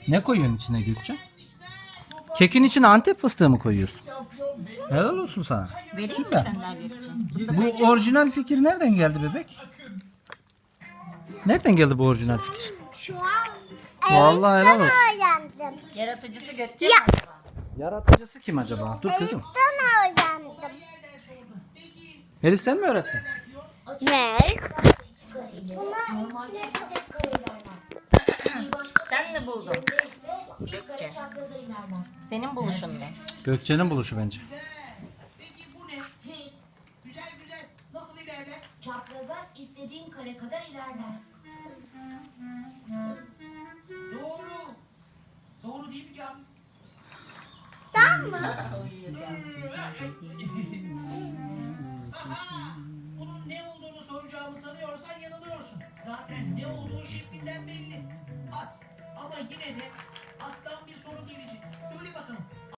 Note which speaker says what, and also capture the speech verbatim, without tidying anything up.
Speaker 1: Ne koyuyorsun içine Gökçe? Kekin içine Antep fıstığı mı koyuyorsun? Helal olsun sana.
Speaker 2: Vereyim mi
Speaker 1: Süper.
Speaker 2: sen daha Gökçe?
Speaker 1: Bu orijinal fikir nereden geldi bebek? Nereden geldi bu orijinal fikir?
Speaker 3: Şu an
Speaker 1: Vallahi helal olsun.
Speaker 3: öğrendim.
Speaker 2: Yaratıcısı Gökçe mi acaba?
Speaker 1: Yaratıcısı kim acaba? Dur kızım.
Speaker 3: Sen öğrendim.
Speaker 1: Elif sen mi öğrettin?
Speaker 3: Ne? Buna
Speaker 2: Sen mi buldun? Gökçe. Senin buluşun mu?
Speaker 1: Gökçe'nin buluşu bence.
Speaker 4: Peki bu ne? Güzel güzel. Nasıl ilerler?
Speaker 5: Çapraza istediğin kare kadar ilerler.
Speaker 4: Doğru. Doğru değil mi Can? Aha! Bunun ne olduğunu soracağımı sanıyorsan yanılıyorsun. Zaten ne olduğu şeklinden belli. At. Ama yine de attan bir soru gelecek.